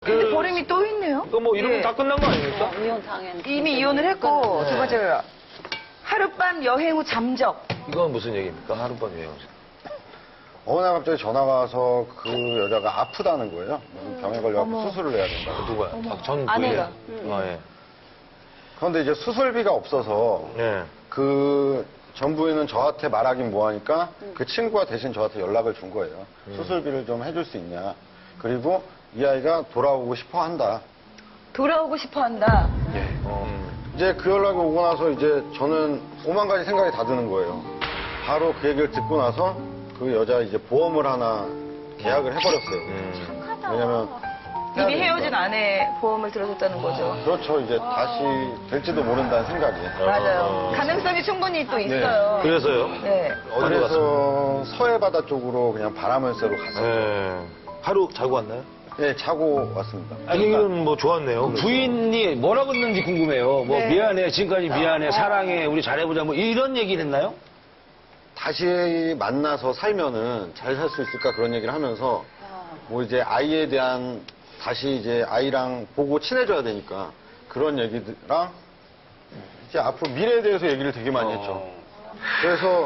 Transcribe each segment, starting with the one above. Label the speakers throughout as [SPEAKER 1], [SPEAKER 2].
[SPEAKER 1] 근데 보름이 또 있네요.
[SPEAKER 2] 또 뭐 이러면
[SPEAKER 1] 예.
[SPEAKER 2] 다 끝난 거 아닙니까?
[SPEAKER 3] 이혼 당연.
[SPEAKER 1] 이미 이혼을 했고, 두 번째가 하룻밤 여행 후 잠적.
[SPEAKER 2] 이건 무슨 얘기입니까? 하룻밤 여행.
[SPEAKER 4] 어느 날 갑자기 전화가 와서 그 여자가 아프다는 거예요. 병에 걸려서 수술을 해야 된다.
[SPEAKER 2] 누구야? 전
[SPEAKER 3] 아내가.
[SPEAKER 2] 부인이에요? 아, 예.
[SPEAKER 4] 그런데 이제 수술비가 없어서
[SPEAKER 2] 예.
[SPEAKER 4] 그 전 부인은 저한테 말하긴 뭐하니까 그 친구가 대신 저한테 연락을 준 거예요. 수술비를 좀 해줄 수 있냐. 그리고 이 아이가 돌아오고 싶어 한다.
[SPEAKER 1] 돌아오고 싶어 한다.
[SPEAKER 4] 예. 이제 그 연락이 오고 나서 이제 저는 오만 가지 생각이 다 드는 거예요. 바로 그 얘기를 듣고 나서 그 여자 이제 보험을 하나 계약을 해버렸어요. 왜냐면 해야
[SPEAKER 1] 이미
[SPEAKER 4] 되니까.
[SPEAKER 1] 헤어진 아내 보험을 들어줬다는 거죠.
[SPEAKER 4] 그렇죠. 이제 다시 될지도 모른다는 생각이.
[SPEAKER 1] 맞아요. 가능성이 충분히 또 있어요.
[SPEAKER 2] 그래서요?
[SPEAKER 1] 네.
[SPEAKER 2] 어디로 갔습니까?
[SPEAKER 4] 그래서 서해 바다 쪽으로 그냥 바람을 쐬러 갔어요.
[SPEAKER 2] 예. 하루 자고 왔나요?
[SPEAKER 4] 예, 자고 왔습니다.
[SPEAKER 2] 분위기는 뭐 좋았네요.
[SPEAKER 5] 부인이 뭐라고 했는지 궁금해요. 뭐
[SPEAKER 1] 네.
[SPEAKER 5] 미안해, 지금까지 미안해, 사랑해, 우리 잘해보자, 뭐 이런 얘기를 했나요?
[SPEAKER 4] 다시 만나서 살면은 잘 살 수 있을까 그런 얘기를 하면서 뭐 이제 아이에 대한 다시 이제 아이랑 보고 친해져야 되니까 그런 얘기랑 이제 앞으로 미래에 대해서 얘기를 되게 많이 했죠. 그래서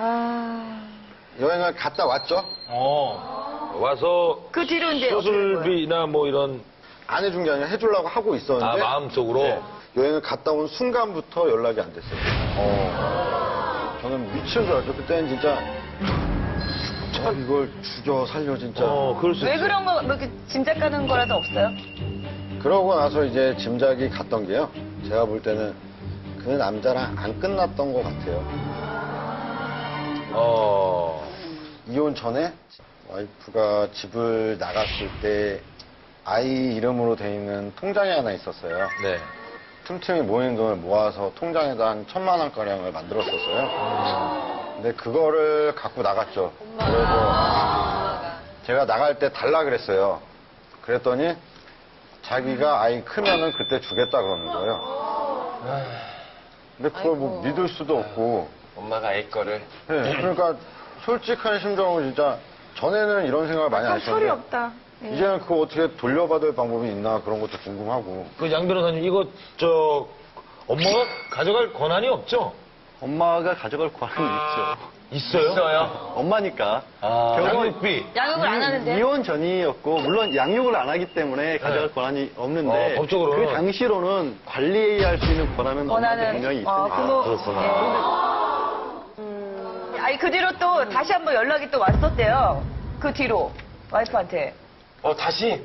[SPEAKER 4] 여행을 갔다 왔죠.
[SPEAKER 2] 와서
[SPEAKER 1] 그 뒤로 이제
[SPEAKER 2] 수술비나 뭐 이런
[SPEAKER 4] 안 해준 게 아니라 해주려고 하고 있었는데
[SPEAKER 2] 마음속으로
[SPEAKER 4] 네, 여행을 갔다 온 순간부터 연락이 안 됐어요. 저는 미친 줄 알았죠. 그때는 진짜 이걸 죽여 살려 진짜.
[SPEAKER 2] 그럴 수
[SPEAKER 1] 왜
[SPEAKER 2] 있어요.
[SPEAKER 1] 그런 거, 뭐 이렇게 짐작 가는 거라도 없어요?
[SPEAKER 4] 그러고 나서 이제 짐작이 갔던 게요. 제가 볼 때는 그 남자랑 안 끝났던 것 같아요. 이혼 전에 와이프가 집을 나갔을 때 아이 이름으로 돼 있는 통장이 하나 있었어요.
[SPEAKER 2] 네.
[SPEAKER 4] 틈틈이 모인 돈을 모아서 통장에다 한 1,000만 원가량을 만들었었어요. 근데 그거를 갖고 나갔죠. 그래서 제가 나갈 때 달라 그랬어요. 그랬더니 자기가 아이 크면은 그때 주겠다 그러는 거예요. 근데 그걸 뭐 믿을 수도 없고.
[SPEAKER 6] 엄마가 아이 거를.
[SPEAKER 4] 네, 그러니까 솔직한 심정으로 진짜 전에는 이런 생각을 많이 안
[SPEAKER 1] 아, 철이
[SPEAKER 4] 했었는데
[SPEAKER 1] 없다. 예.
[SPEAKER 4] 이제는 그거 어떻게 돌려받을 방법이 있나 그런 것도 궁금하고.
[SPEAKER 2] 그 양 변호사님 이거 엄마가 가져갈 권한이 없죠?
[SPEAKER 6] 엄마가 가져갈 권한이 있죠.
[SPEAKER 2] 있어요?
[SPEAKER 6] 엄마니까.
[SPEAKER 2] 양육비.
[SPEAKER 1] 양육을 안 하는데.
[SPEAKER 6] 이혼 전이었고, 물론 양육을 안 하기 때문에 가져갈 권한이 없는데,
[SPEAKER 2] 법적으로는.
[SPEAKER 6] 그 당시로는 관리할 수 있는 권한은 엄마한테 분명히 있으니까.
[SPEAKER 1] 부모.
[SPEAKER 2] 그렇구나.
[SPEAKER 1] 아니, 그 뒤로 또 다시 한번 연락이 또 왔었대요. 그 뒤로. 와이프한테.
[SPEAKER 6] 다시?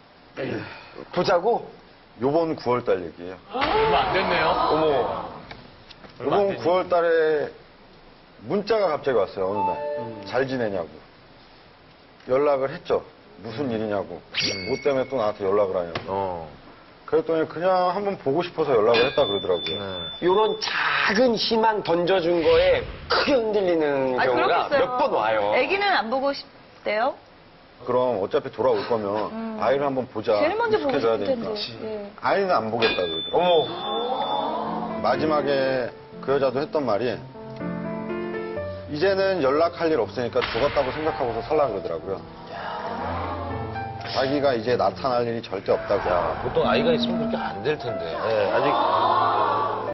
[SPEAKER 6] 보자고?
[SPEAKER 4] 요번 9월달 얘기예요.
[SPEAKER 2] 얼마 안 됐네요. 어머.
[SPEAKER 4] 요번 9월달에 문자가 갑자기 왔어요. 어느 날. 잘 지내냐고. 연락을 했죠. 무슨 일이냐고. 뭐 때문에 또 나한테 연락을 하냐고. 그랬더니 그냥 한번 보고 싶어서 연락을 했다 그러더라고요.
[SPEAKER 6] 요런 작은 희망 던져준 거에 크게 흔들리는
[SPEAKER 1] 아니,
[SPEAKER 6] 경우가
[SPEAKER 1] 그렇겠어요.
[SPEAKER 6] 몇 번 와요.
[SPEAKER 1] 애기는 안 보고 싶대요?
[SPEAKER 4] 그럼 어차피 돌아올 거면 아이를 한번 보자.
[SPEAKER 1] 제일 먼저 보고
[SPEAKER 4] 익숙해져야
[SPEAKER 1] 싶을 텐데.
[SPEAKER 4] 되니까.
[SPEAKER 1] 예.
[SPEAKER 4] 아이는 안 보겠다 그러더라고요. 마지막에 그 여자도 했던 말이 이제는 연락할 일 없으니까 죽었다고 생각하고서 살라 그러더라고요. 자기가 이제 나타날 일이 절대 없다고.
[SPEAKER 2] 보통 아이가 있으면 그렇게 안 될 텐데. 예, 아직